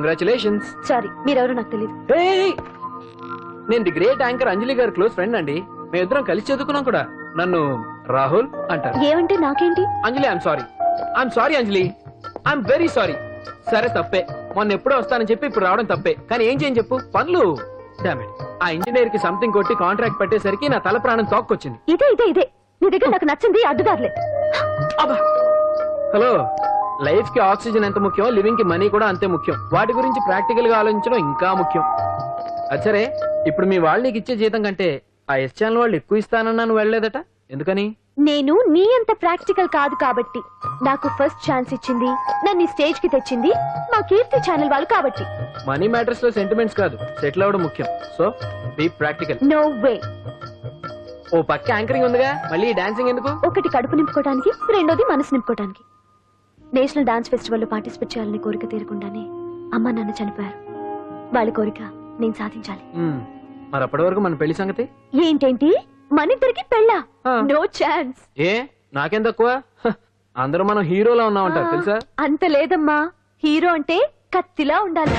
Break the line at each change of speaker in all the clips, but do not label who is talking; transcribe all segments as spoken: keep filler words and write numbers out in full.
Congratulations.
Sorry, మీరెవరో నాకు తెలియదు.
నేను ది గ్రేట్ యాంకర్ అంజలి గారి క్లోజ్ ఫ్రెండ్ అండి. మేమిద్దరం కలిసి చదువుకున్నాం కూడా. నన్ను రాహుల్ అంటారు.
ఏమంటే నాకేంటి?
Anjali I'm sorry. I'm sorry Anjali, I'm very sorry. సరే తప్పే, మొన్న ఎప్పుడో వస్తానని చెప్పి ఇప్పుడు రావడం తప్పే. కానీ ఏం చేయని చెప్పు, పనులు. డామిట్, ఆ ఇంజనీర్ కి సంథింగ్ కొట్టి కాంట్రాక్ట్ పెట్టేసరికి నా తల ప్రాణం తోక్కొచ్చింది.
ఇదే ఇదే ఇదే నీ దగ్గర నాకు నచ్చింది అడ్డుదారులే.
హలో, లైఫ్ కి ఆక్సిజన్ ఎంత ముఖ్యం, లివింగ్ కి మనీ కూడా అంతే ముఖ్యం. వాటి గురించి ప్రాక్టికల్ గా ఆలోచించడం ఇంకా ముఖ్యం. అచ్చరే, ఇప్పుడు మీ వాళ్ళు నీకు ఇచ్చే జీతం కంటే ఆ ఎస్ ఛానల్ వాళ్ళు ఎక్కువ ఇస్తానన్నా నువ్వు వెళ్ళలేదట, ఎందుకని?
నేను నీ అంత ప్రాక్టికల్ కాదు కాబట్టి. నాకు ఫస్ట్ ఛాన్స్ ఇచ్చింది, నన్ను స్టేజ్ కి తెచ్చింది మా కీర్తి ఛానల్ వాళ్ళు కాబట్టి.
మనీ మ్యాటర్స్ లో సెంటిమెంట్స్ కాదు, సెటిల్ అవ్వడం ముఖ్యం. So be practical.
No way.
ఓ పక్క యాంకరింగ్ ఉందిగా, మళ్ళీ డాన్సింగ్ ఎందుకు?
ఒకటి కడుపు నింపుకోవడానికి, రెండోది మనసు నింపుకోవడానికి. నేషనల్ డాన్స్ ఫెస్టివల్ లో పార్టిసిపేట్ చేయాలని కోరిక తీరకుండానే అమ్మ నాన్న చనిపోయారు. వాళ్ళ కోరిక నేను సాధించాలి.
మరి అప్పటి వరకు మన పెళ్లి సంగతి
ఏంటేంటి? మన ఇద్దరికి పెళ్ళా? No chance.
ఏ నాకేం తక్కువ? అందరూ మనం హీరోలా ఉన్నామంటారు తెలుసా?
అంత లేదమ్మా, హీరో అంటే కత్తిలా ఉండాలి.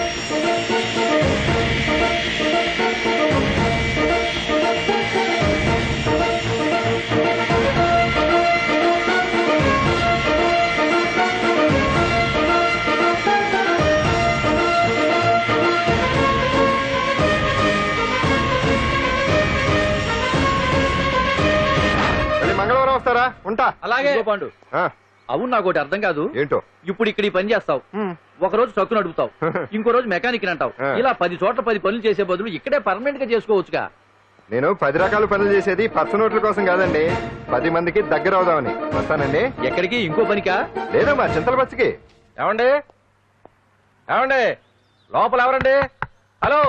మంగళవారం వస్తారా? ఉంటా.
అలాగే పాండు. అవును, నాకు ఒకటి అర్థం కాదు.
ఏంటో?
ఇప్పుడు ఇక్కడ ఈ పని చేస్తావు, ఒక రోజు ట్రక్కు నడుపుతావు, ఇంకో రోజు మెకానిక్ అంటావు. ఇలా పది చోట్ల పది పనులు చేసే బదులు ఇక్కడే పర్మనెంట్ గా చేసుకోవచ్చుగా.
నేను పది రకాల పనులు చేసేది పర్సన్ నోట్ల కోసం కాదండి, పది మందికి దగ్గర అవుదామని. వస్తానండి.
ఎక్కడికి? ఇంకో పనికా?
లేదు, మా చింతల బస్సుకి.
ఏమండి ఏమండి లోపల ఎవరండి? హలో,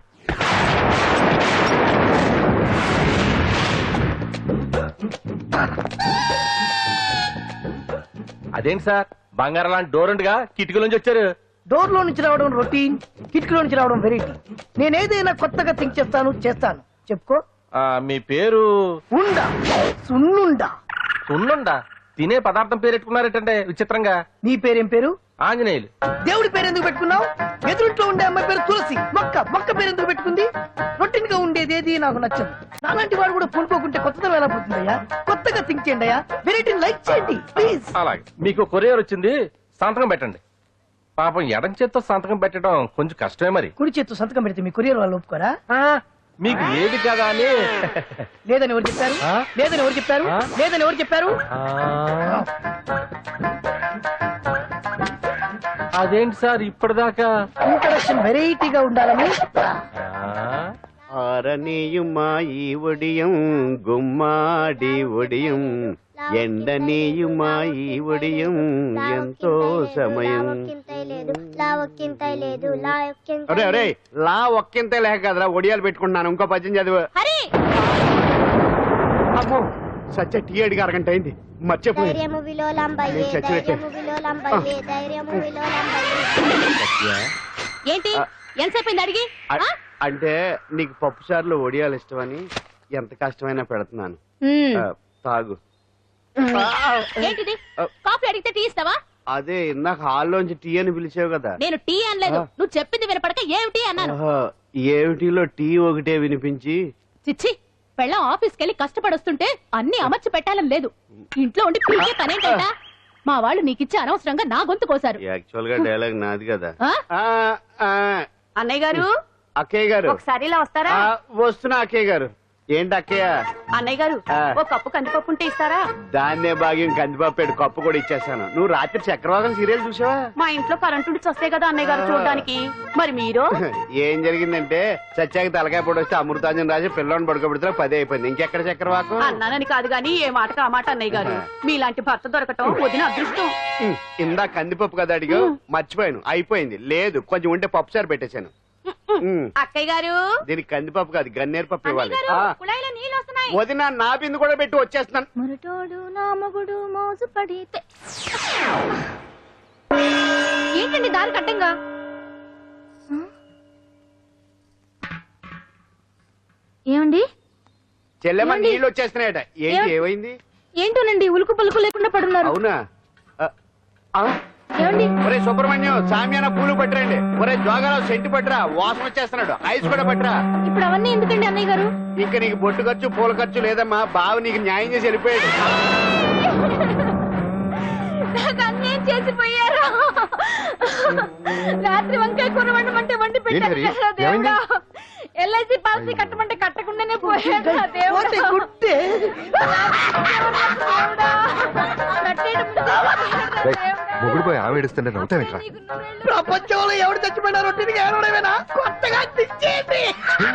అదేంటి సార్, బంగారం లాంటి డోర్ ఉండగా కిటికీ నుంచి వచ్చారు?
డోర్ లో నుంచి రావడం రొటీన్, కిటికీలో నుంచి రావడం వెరైటీ. నేనేదైనా కొత్తగా థింక్ చేస్తాను చేస్తాను చెప్పుకో.
మీ పేరు?
ఉండా, సున్నుండా.
సున్నుండా? తినే పదార్థం పేరు పెట్టుకున్నారేటంటే విచిత్రంగా.
నీ పేరేం పేరు?
ఆంజనేయులు.
దేవుడి పేరు ఎందుకు పెట్టుకున్నావు? ఎదురుంట్లో ఉండే అమ్మాయి పేరు తులసి. మొక్క మొక్క పేరు ఎందుకు పెట్టుకుంది? రొటీన్ గా ఉండేది ఏది నాకు నచ్చదు. నాలాంటి వాడు కూడా పూనుకోకుంటే కొత్తదనం ఎలా పోతుందయ్యా? కొత్తగా థింక్ చేయండి అయ్యా, వెరైటీ లైక్ చేయండి ప్లీజ్.
అలాగే. మీకు కొరియర్ వచ్చింది, సంతకం పెట్టండి. పాపం ఎడం చేత్తో సంతకం పెట్టడం కొంచెం కష్టమే. మరి
కుడి చేత్తు సంతకం పెడితే మీ కొరియర్ వాళ్ళు ఒప్పుకోరా?
మీకు ఏది కదా అని.
లేదని ఎవరు చెప్పారు? లేదని ఎవరు చెప్పారు? లేదని ఎవరు చెప్పారు?
అదేంటి సార్ ఇప్పటిదాకా
ఇంట్రడక్షన్ వెరైటీగా ఉండాలని.
ఆరనీయుమా ఈ ఒడియం గుమ్మాడి ఒడియం, ఎండనీయుమా ఈ ఒడియం ఎంతో సమయం. అరే అరే, లా ఒక్కింతే లేక కదరా ఒడియాలు పెట్టుకుంటున్నాను. ఇంకో పద్యం చదువు. అమ్మో, సత్య టీ అడిగి అరగంట అయింది, మర్చిపోయి.
ఏంటి ఎంతసేపు అడిగి?
అంటే నీకు పప్పు సార్లు ఒడియాలు ఇష్టమని ఎంత కష్టమైనా పెడుతున్నాను, తాగు.
ఏంటిది? కాఫీ అడిగితే టీ ఇస్తావా?
అదే ఇందాక హాల్లోంచి టీ అని పిలిచావు కదా.
నేను టీ అనలేదు, నువ్వు చెప్పింది వినపడక ఏమిటి అన్నాను.
ఏమిటిలో టీ ఒకటే వినిపించి.
చిచ్చి, పెళ్ళం ఆఫీస్కి వెళ్ళి కష్టపడొస్తుంటే అన్ని అమర్చి పెట్టాలని లేదు. ఇంట్లో ఉండి పీకే పనేంటా? మా వాళ్ళు నీకిచ్చి అనవసరంగా నా గొంతు కోసారు.
యాక్చువల్ గా డైలాగ్ నాది కదా.
అన్నయ్య గారు,
అక్కయ్య గారు
ఒకసారి ఇలా వస్తారా?
వస్తున్నా అక్కయ్య గారు. ఏంటి అక్కయ్య?
అన్నయ్య గారు, ఓ కప్పు కందిపప్పు ఉంటే ఇస్తారా?
దాన్నే భాగ్యం కందిపప్పు కప్పు కూడా ఇచ్చేస్తాను. నువ్వు రాత్రి చక్రవాదం సీరియల్ చూసావా?
మా ఇంట్లో కరెంటు ఉండి వస్తే కదా అన్నయ్య గారు చూడడానికి. మరి మీరు?
ఏం జరిగిందంటే సత్యాకి తలకాయ పొడి వస్తే అమృతాంజన్ రాజు పిల్లని పడుకోబెడితే పదే అయిపోయింది. ఇంకెక్కడ చక్రవాకం?
అన్నానని కాదు గాని ఏ మాటకు ఆ మాట అన్నయ్య గారు. మీలాంటి భర్త దొరకటం వదిన అదృష్టం.
ఇందా కందిపప్పు కదా అడిగా, మర్చిపోయాను. అయిపోయింది. లేదు, కొంచెం ఉంటే పప్పు సార్ పెట్టేశాను.
అక్కయ్య గారు,
దీనికి కందిపప్పు కాదు గన్నేరు పప్పు ఇవ్వాలి. వదిన నా బిందు కూడా పెట్టి వచ్చేస్తున్నాను.
మురటోడు నా మగుడు మోజు పడితే. ఏంటండి దారి కట్టంగా? ఏమండి?
చెల్లెమ్మ నీళ్ళు వచ్చేస్తున్నాయట. ఏంటి, ఏమైంది?
ఏంటోనండి, ఉలుకు పలుకు లేకుండా పడున్నారు.
అవునా?
ఏమండి
ఒరే సుబ్రహ్మణ్యం సామ్యాన పూలు పట్టరండి. ఒరే జోగారావు సెంటు పట్టరా, వాసన వచ్చేస్తున్నాడు. ఐస్ కూడా పట్టరా.
ఇప్పుడు అవన్నీ ఎందుకండి అన్నయ్య గారు?
ఇంకా నీకు బొట్టు ఖర్చు పూల ఖర్చు లేదమ్మా. బావ నీకు న్యాయం చేసి వెళ్ళిపోయాడు.
నాకు అన్నేం చేసిపోయారు. రాత్రి వంకాయ కూర వండమంటే వండి
ఏంటి హరి?
పెట్టారు దేవుడా.
ఏమైంది?
ఎల్ఐసి పాలసీ కట్టమంటే కట్టకుండానే పోయాడు నా దేవుడా.
పోతే గుట్టే.
దేవుడా. కట్టేయడం ముందు దేవుడా.
మొగుడు పోయి ఆమె ఏడుస్తుంటే నవ్వుతావేట్రా?
నీకు నువ్వెళ్ళు.
ప్రపంచంలో ఎవరు చచ్చిపోయినా రొట్టెని ఏడవడమేనా? కొత్తగా తెచ్చేయండి.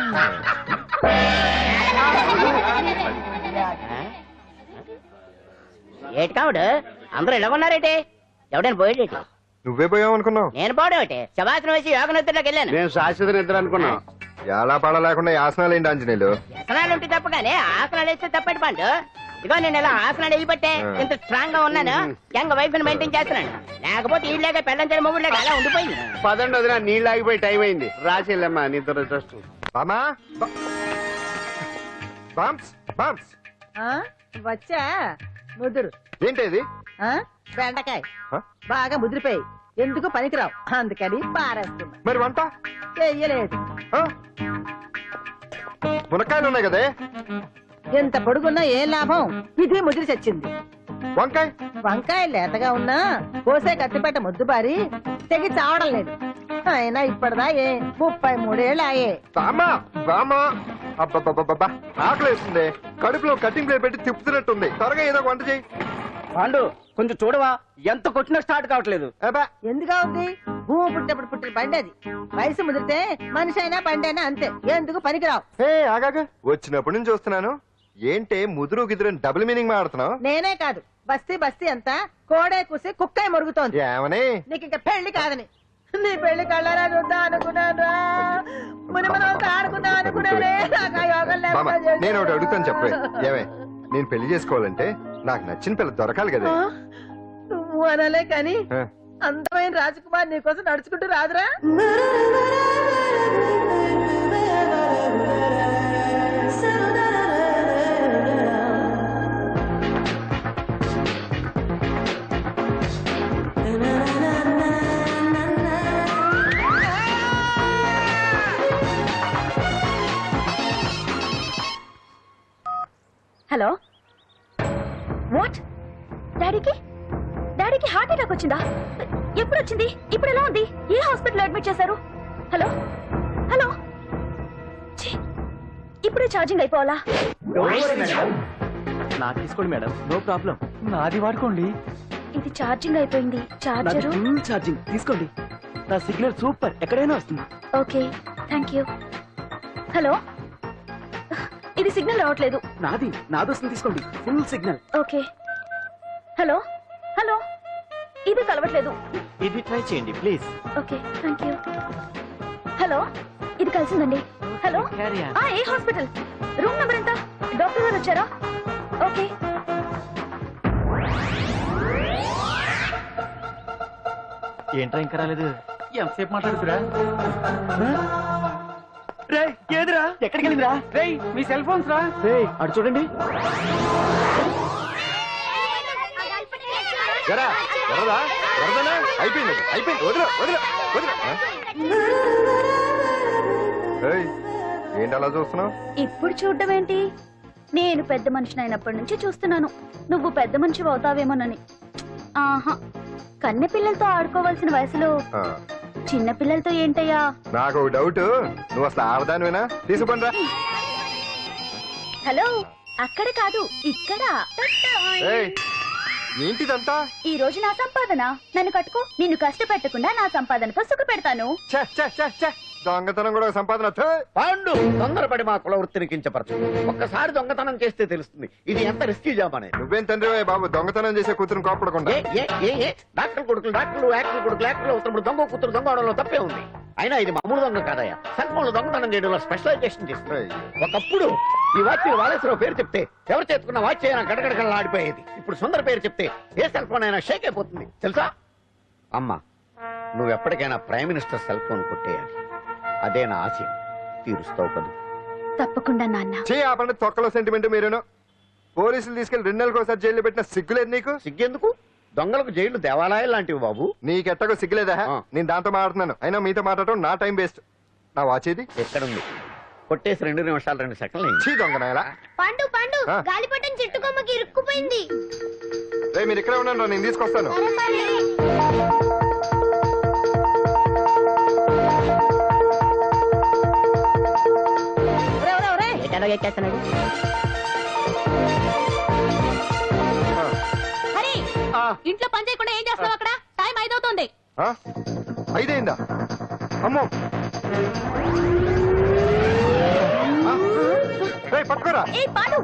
ఏటి కావుడు అందరూ ఇలా ఉన్నారేటి? ఎవడైనా పోయేటి?
నువ్వే పోయావు అనుకున్నావు.
నేను పోవడేటి? శవాసనం వేసి యోగ నిద్రలోకి వెళ్ళాను.
నేను శాశ్వత నిద్ర అనుకున్నాం.
ఎలా పడ లేకుండా ఆసనాలు ఏంటి ఆంజనేయులు?
వ్యసనాలు ఉంటే తప్పగానే ఆసనాలు వేస్తే తప్పటి పండు. ఇదిగో నేను ఇలా ఆసనాలు వేయబట్టే ఇంత స్ట్రాంగ్ గా ఉన్నాను. యంగ్ వైఫ్ ని మెయింటైన్ చేస్తున్నాను. లేకపోతే ఈ లేక పెళ్ళంచని మొగుడు అలా ఉండిపోయింది.
పదండి వదిన, నీళ్ళు ఆగిపోయి టైం అయింది. రాసి వెళ్ళమ్మా నిద్ర ట్రస్ట్.
బామా బామ్స్ బామ్స్
వచ్చా ముదురు
ఏంటి ఇది?
ఆ? బెండకాయ
హ?
బాగా ముదిరిపోయి ఎందుకు పనికిరావు అందుకని పారేస్తున్నా.
మరి వంట?
చెయ్యలేదు.
ఆ? మునక్కాయలు ఉన్నాయి కదే.
ఎంత పొడుగున్నా ఏం లాభం? ఇది ముదిరి చచ్చింది.
వంకాయ
వంకాయ లేతగా ఉన్నా కోసే కత్తిపేట ముద్దు బారి తెగి చావడం లేదు. అయినా ఇప్పటిదా ఏ ముప్పై మూడేళ్ళు ఆయే.
బామా బామా అబ్బబ్బబ్బబ్బా ఆకలి వేస్తుంది. కడుపులో కటింగ్ ప్లేట్ పెట్టి తిప్పుతున్నట్టుంది. త్వరగా ఏదో ఒక వంట చేయి.
పాండు కొంచెం చూడవా, ఎంత కొట్టినా స్టార్ట్ కావట్లేదు.
అబ్బా
ఎందుగా ఉంది? భూమి పుట్టినప్పుడు పుట్టిన బండి అది. వయసు ముదిరితే మనిషి అయినా బండి అయినా అంతే. ఎందుకు పనికిరావు.
ఏ ఆగాగా వచ్చినప్పటి నుంచి చూస్తున్నాను. ఏంటే ముదురు గిదురు డబుల్ మీనింగ్ మాడుతున్నావు?
నేనే కాదు బస్తీ బస్తీ అంతా కోడే కూసి కుక్కాయ మురుగుతోంది.
ఏమని?
నీకు ఇంకా పెళ్లి కాదని. నీ పెళ్లి కళ్ళారా చూద్దాం అనుకున్నాను. ముని మనం ఆడుకుందాం అనుకున్నానే. నాకు ఆ యోగం
బామా
లేకుండా
నేను ఒకటి
చేశావు.
అడుగుతాను చెప్పే. ఏమే నేను పెళ్లి చేసుకోవాలంటే నాకు నచ్చిన పిల్ల దొరకాలి కదా.
ఆ? నువ్వు అనలే కాని
ఆ.
అందమైన రాజకుమార్ నీకోసం నడుచుకుంటూ రాదురా.
Hello what? డాడీకి డాడీకి హార్ట్ అటాక్ వచ్చిందా? ఎప్పుడు వచ్చింది? ఇప్పుడు ఎలా ఉంది? ఏ హాస్పిటల్ అడ్మిట్ చేశారు? హలో హలో ఛీ, ఇప్పుడే ఛార్జింగ్ అయిపోవాలా?
నాకు తీసుకోండి మేడం, నో ప్రాబ్లం. నాది వాడుకోండి.
ఇది ఛార్జింగ్ అయిపోయింది. చార్జరు
ఫుల్ ఛార్జింగ్ తీసుకోండి. నా సిగ్నల్ సూపర్, ఎక్కడైనా వస్తుంది.
Okay thank you. హలో ఇది సిగ్నల్ రావట్లేదు.
నాది నాది వస్తుంది, తీసుకోండి. Full signal.
Okay hello hello ఇది కలవట్లేదు.
ఇది ట్రై చేయండి please.
Okay thank you. Hello ఇది కలిసిందండి. Hello
Carry on.
ఆ ఏ హాస్పిటల్? రూమ్ నెంబర్ ఎంత? డాక్టర్ గారు వచ్చారా? ఓకే
ఏంట్రా ఇంకా రాలేదు? ఎంతసేపు మాట్లాడుతురా? రే ఏదిరా? ఎక్కడికి వెళ్ళిందిరా? రే మీ సెల్ ఫోన్స్ రా. రే అటు చూడండి.
ఎరా ఎర్రదా ఎర్రదనా అయిపోయింది అయిపోయింది. వదిలే వదిలే వదిలే. ఆ? ఏయ్, ఏంటి అలా చూస్తున్నావు?
ఇప్పుడు చూడడం ఏంటి? నేను పెద్ద మనిషిని అయినప్పటి నుంచి చూస్తున్నాను. నువ్వు పెద్ద మనిషి అవుతావేమోనని. ఆహా, కన్నె పిల్లలతో ఆడుకోవాల్సిన వయసులో
ఆ,
చిన్న పిల్లలతో ఏంటయ్యా?
నాకు ఒక డౌట్. నువ్వు అసలు ఆడదానివేనా? తీసుకుంటా.
హలో అక్కడ కాదు ఇక్కడ.
ఏయ్, ఏంటిదంతా?
ఈ రోజు నా సంపాదన. నన్ను కట్టుకో. నిన్ను కష్టపెట్టకుండా నా సంపాదనతో సుఖ పెడతాను.
ఛే, ఛే, ఛే, ఛే. దొంగతనం కూడా ఒక సంపాదన. థూ.
పాండు తొందరపడి మా కుల వృత్తిని కించపరచు. ఒక్కసారి దొంగతనం చేస్తే తెలుస్తుంది ఇది ఎంత రిస్కీ జాబ్ అనేది.
నువ్వేం తండ్రి బాబు దొంగతనం చేసే కూతురు కోపడకుండా?
ఏ ఏ ఏ ఏ డాక్టర్ కొడుకులు డాక్టర్లు యాక్టర్ కొడుకులు యాక్టర్లు అవుతున్నప్పుడు దొంగ కూతురు దొంగ అవడంలో తప్పే ఉంది. అయినా ఇది మామూలు దొంగ కాదయ్యా. సెల్ ఫోన్ లో దొంగతనం చేయడంలో స్పెషలైజేషన్ చేస్తుంది. ఒకప్పుడు ఈ వాచ్ వాలేశ్వరరావు పేరు చెప్తే ఎవరు చేతుకున్న వాచ్ అయినా గడగడగడలా ఆడిపోయేది. ఇప్పుడు సుందర పేరు చెప్తే ఏ సెల్ ఫోన్ అయినా షేక్ అయిపోతుంది తెలుసా? అమ్మా నువ్వు ఎప్పటికైనా ప్రైమ్ మినిస్టర్ సెల్ ఫోన్ కొట్టేయాలి. అదే నా ఆశయం. తీరుస్తావు కదా?
తప్పకుండా నాన్న.
చే ఆ పంట తొక్కలో సెంటిమెంట్ మీరేను. పోలీసులు తీసుకెళ్లి రెండు నెలలకు ఒకసారి జైల్లో పెట్టిన సిగ్గులేదు నీకు?
సిగ్గెందుకు? దొంగలకు జైలు దేవాలయాలు లాంటివి బాబు.
నీకెట్టగో సిగ్గులేదా?
ఆ.
నేను దాంతో మాట్లాడుతున్నాను, అయినా మీతో మాట్లాడటం నా టైం వేస్ట్. నా వాచేది
ఎక్కడుంది? కొట్టేసి రెండు నిమిషాలు రెండు సెకండ్లు అయింది.
చీ దొంగనాయలా.
పండు పండు
ఆ?
గాలిపటం చెట్టు కొమ్మకి ఇరుక్కుపోయింది.
రేయ్, మీరు ఇక్కడే ఉన్నాను, నేను తీసుకొస్తాను.
ఒరే, ఒరే, ఒరే.
ఎటలో ఎక్కేస్తున్నాడు.
ఆ.
హరి
ఆ.
ఇంట్లో పని చేయకుండా ఏం చేస్తావు అక్కడ? టైం ఐదవుతోంది.
ఆ? ఐదైందా? అమ్మో. ఆ? రేయ్, పట్టుకోరా.
ఏ పాండు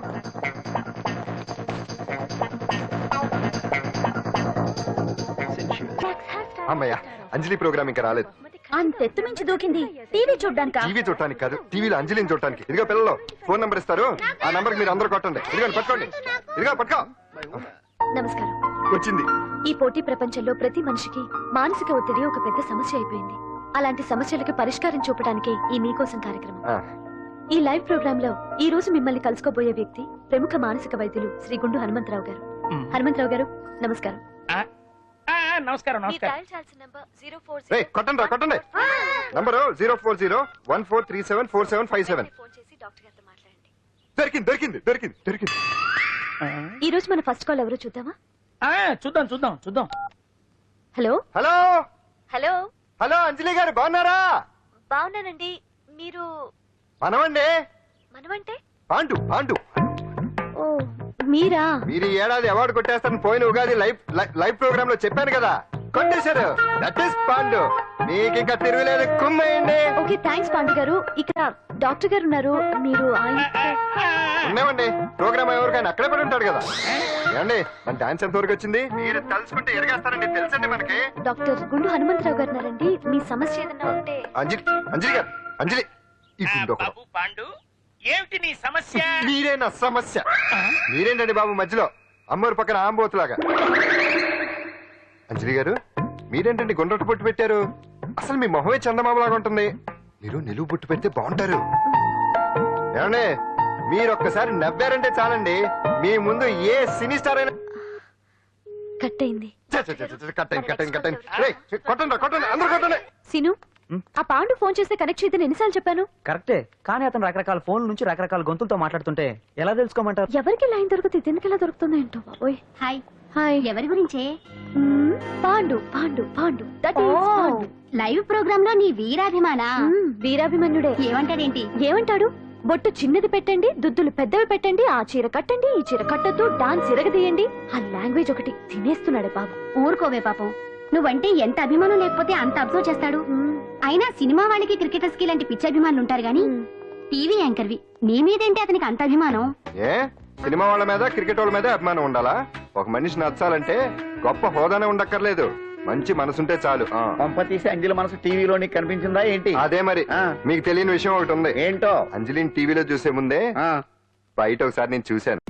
అమ్మయ్య, అంజలి ప్రోగ్రామ్ ఇంకా రాలేదు.
అంతెత్తు మించి దూకింది. టీవీ చూడ్డానికా?
టీవీ చూడటానికి కాదు, టీవీలో అంజలిని చూడటానికి. ఇదిగో పిల్లలు, ఫోన్ నంబర్ ఇస్తారు, ఆ నంబర్ మీరు అందరూ కొట్టండి. ఇదిగో పట్టుకోండి, ఇదిగో పట్టుకో.
నమస్కారం.
వచ్చింది.
ఈ పోటీ ప్రపంచంలో ప్రతి మనిషికి మానసిక ఒత్తిడి ఒక పెద్ద సమస్య అయిపోయింది. అలాంటి సమస్యలకు పరిష్కారం చూపడానికే ఈ మీకోసం కార్యక్రమం.
ఆ.
ఈ లైవ్ ప్రోగ్రామ్ లో ఈ రోజు మిమ్మల్ని కలుసుకోబోయే వ్యక్తి ప్రముఖ మానసిక వైద్యులు శ్రీ గుండు హనుమంతరావు గారు. హనుమంతరావు గారు, నమస్కారం.
నమస్కారం
రేయ్, కొట్టండి రా, కొట్టండి. Number zero four zero one four three seven four seven five seven. దొరికింది దొరికింది దొరికింది దొరికింది.
ఈ రోజు మన ఫస్ట్ కాల్ ఎవరో చూద్దామా?
చూద్దాం చూద్దాం చూద్దాం.
Hello
hello
hello
hello, Anjali గారు బాగున్నారా?
బాగున్నానండి. మీరు
మనమండి,
మనమంటే?
పాండు పాండు.
ఓ మీరా?
మీరు ఈ ఏడాది అవార్డు కొట్టేస్తారని పోయిన ఉగాది లైవ్ లైవ్ ప్రోగ్రామ్ లో చెప్పాను కదా, కొట్టేశారు. That is Pandu. మీకు ఇంకా తిరుగులేదు, కుమ్మేయండి.
ఓకే, థ్యాంక్స్ పాండు గారు. ఇక్కడ డాక్టర్ గారు ఉన్నారు, మీరు ఆయన
ఉన్నామండి. ప్రోగ్రామ్ ఎవరికైనా అక్కడే పడి ఉంటాడు కదా. ఏమండి, మన డాన్స్ ఎంత వరకు వచ్చింది? మీరు తలుచుకుంటే ఎరగేస్తారండి, తెలుసండి మనకి.
డాక్టర్ గుండు హనుమంతరావు గారు ఉన్నారండి. మీ సమస్య ఏదన్నా ఉంటే.
అంజలి అంజలి గారు, అంజలి ఈ గుండు ఒకడు.
బాబు పాండు, ఏమిటి నీ సమస్య?
మీరే నా సమస్య. మీరేంటండి బాబు మధ్యలో అమ్మోరు పక్కన ఆంబోతులాగా? అంజలి గారు, మీరేంటండి గుండ్రటి బొట్టు పెట్టారు? అసలు మీ మొహమే చందమామలాగా ఉంటుంది. మీరు నిలువు బొట్టు పెడితే బాగుంటారు. ఏమండి, మీరు ఒక్కసారి నవ్వారంటే చాలండి, మీ ముందు ఏ సినీ స్టార్ అయినా
కట్ అయింది.
చ్చ, చ్చ, చ్చ, చ్చ, కట్టండి కట్టండి కట్టండి. రేయ్, కొట్టండి రా, కొట్టండి, అందరూ కొట్టండి.
సిను, ఆ పాండు ఫోన్ చేస్తే కనెక్ట్ చేయదని ఎన్నిసార్లు చెప్పాను?
కరెక్టే, కానీ అతను రకరకాల ఫోన్ల నుంచి రకరకాల గొంతులతో మాట్లాడుతుంటే ఎలా తెలుసుకోమంటారు?
ఎవరికి లైన్ దొరుకుతుంది, దీనికి ఎలా దొరుకుతుందో ఏంటో బాబోయ్.
హాయ్.
హాయ్.
ఎవరి గురించే?
మ్మ్, Pandu Pandu Pandu that is Pandu.
Live program లో నీ వీరాభిమానా?
మ్మ్, వీరాభిమన్యుడే.
ఏమంటాడేంటి?
ఏమంటాడు? బొట్టు చిన్నది పెట్టండి, దుద్దులు పెద్దవి పెట్టండి, ఆ చీర కట్టండి, ఈ చీర కట్టద్దు, డాన్స్ ఇరగదీయండి. ఆ లాంగ్వేజ్ ఒకటి తినేస్తున్నాడే బాబు.
ఊరుకోవే పాపం, నువ్వంటే ఎంత అభిమానం లేకపోతే అంత అబ్జర్వ్ చేస్తాడు.
మ్మ్,
అయినా సినిమా వాళ్ళకి క్రికెటర్స్ కి లాంటి పిచ్చి అభిమానులు ఉంటారు గానీ
మ్మ్.
టీవీ యాంకర్వి నీ మీదేంటి అతనికి అంత అభిమానం?
ఏ సినిమా వాళ్ళ మీద క్రికెట్ వాళ్ళ మీద అభిమానం ఉండాలా? ఒక మనిషి నచ్చాలంటే గొప్ప హోదానే ఉండక్కర్లేదు, మంచి మనసుంటే చాలు. ఆ.
పంప తీసి అంజలి మనసు టీవీలో నీకు కనిపించిందా ఏంటి?
అదే మరి.
ఆ.
మీకు తెలియని విషయం ఒకటి ఉంది.
ఏంటో?
అంజలిని టీవీలో చూసే ముందే
ఆ
బయట ఒకసారి నేను చూశాను.